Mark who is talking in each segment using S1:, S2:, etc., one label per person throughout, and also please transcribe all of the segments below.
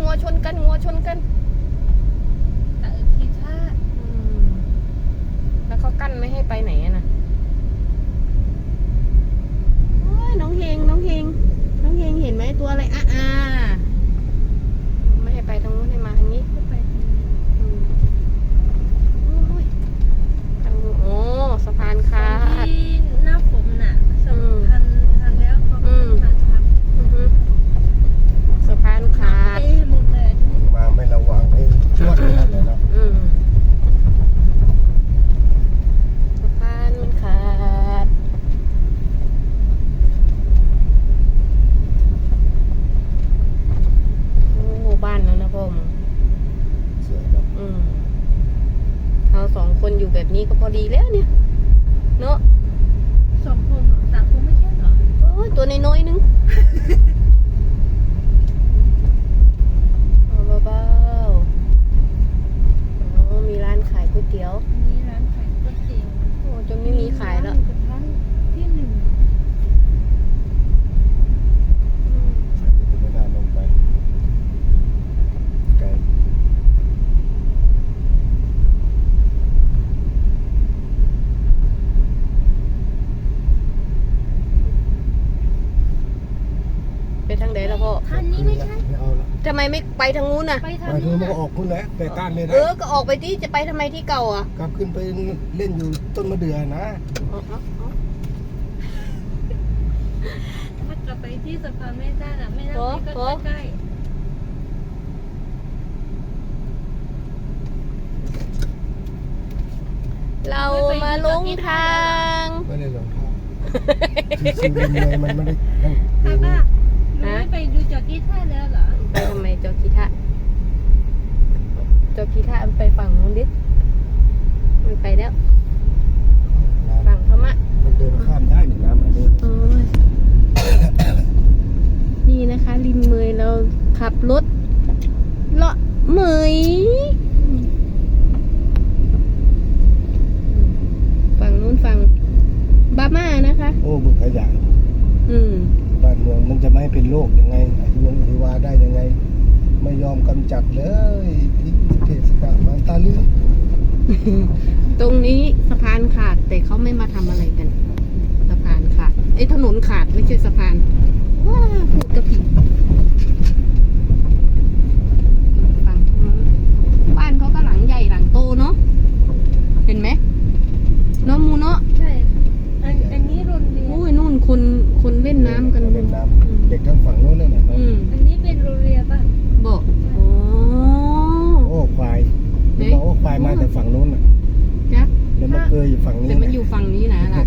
S1: งัวชนกันงัวชนกัน
S2: ทีท่า
S1: แล้วเขากั้นไม่ให้ไปไหนนะโอ้ยน้องเฮงน้องเฮงน้องเฮงเห็นไหมตัวอะไรไม่ให้ไปทางนู้นให้มาทางนี้
S2: ไป
S1: ทางโอ้สะพานขาด
S2: ที่หน้าผมน่ะสะพานทันแล้วเขาทานท
S1: ำสะพานขาด
S2: หมดเลย
S3: มาไม่ระวังให้ชวดเลยนะ
S1: สะพานมันขาดโอ้บ้านแล้วนะพ่อมึง
S3: เสียแล้ว
S1: เราสองคนอยู่แบบนี้ก็พอดีแล้วเนี่ยเนาะ
S2: 2 คน3 คนไม่ใช่เหรอ
S1: โอ้ยตัวน้อยๆนึงเบาๆอ๋อมีร้านขายก๋วยเตี๋ยว
S2: นี่ร้านขายก๋วยเตี๋ยว
S1: โอ้จนไม่มีขายแล้ว
S2: ที่1
S3: ใส่ไปไม่น่าลงไปไกล
S1: ไปทางไหนแล้วพ่อ
S2: ทางนี้ไม่ใช่
S3: ไม่เอาละ
S1: ทำไมไม่ไปทางนู้นน่ะ
S2: ไปทาง
S3: ไปเธ
S2: นี้
S3: อมันก็ออกคุณแหละแต่ก้านเลยนะ
S1: ก็ออกไปที่จะไปทำไมที่เก่าอ่ะ
S3: กลับขึ้นไปเล่นอยู่ต้นมะเดื่อนะ
S2: ถ้ากลับไปที่สะพานไม่ได้น่ะไม่น่าก็ใกล้
S1: เรามาลงทาง
S3: ไม่ได้ลงท่าคือสิ่งเดียวมันไม่ได้ตั้งเอง
S2: ป้าหนูไม่ไปดูจอกี้ท่าแล้วเหรอ
S1: ไปทำไมจอกีทะมันไปฝั่งนู้นดิมันไปแล้วฝั่งพม่า
S3: มันเดินข้ามได้หนึ่งน้ำอันนี้
S1: นี่นะคะริมเมยเราขับรถเลาะเมยฝั่งนู้นฝั่งบาม่านะคะ
S3: โอ้บึกขยะบ้านเมืองมันจะไม่เป็นโรคยังไงอายุวัยวาได้ยังไงไม่ยอมกำจัดเลยที่เทศกาลมาตาลืม
S1: ตรงนี้สะพานขาดแต่เขาไม่มาทำอะไรกันสะพานขาดถนนขาดไม่ใช่สะพานว้าพูดกระผิดฝั่งนู้นบ้านเขาก็หลังใหญ่หลังโตเนาะเห็นไหมเนาะมูเนาะ
S2: ใช่อันนี้โรงเรียน
S1: โอ้ยนู่นคนเล่นน้ำกัน
S3: เล่นน้ำเด็กทั้งฝั่งโน้นเลยนะ
S2: อันนี้เป็นโรงเรียนป่ะ
S1: บอก
S3: โอ้ควายบอกว่าควายมาแต่ฝั่งโน้นน่ะ
S1: จ๊ะ
S3: แล้วมันเคยอยู่ฝั่งนี้
S1: แต่มันอยู่ฝั่งนี้นะล่ะ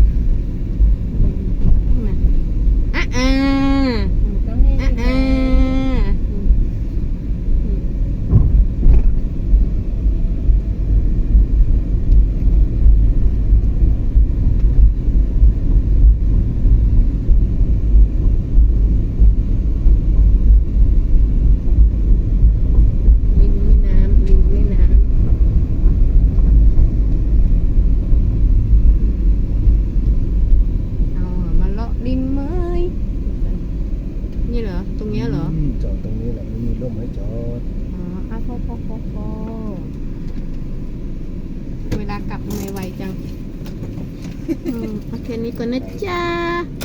S3: จอดตรงนี้แหละไม่มีร่มให้จอด
S1: พอเวลากลับไม่ไวจังโอเคนี้ก่อนนะจ๊ะ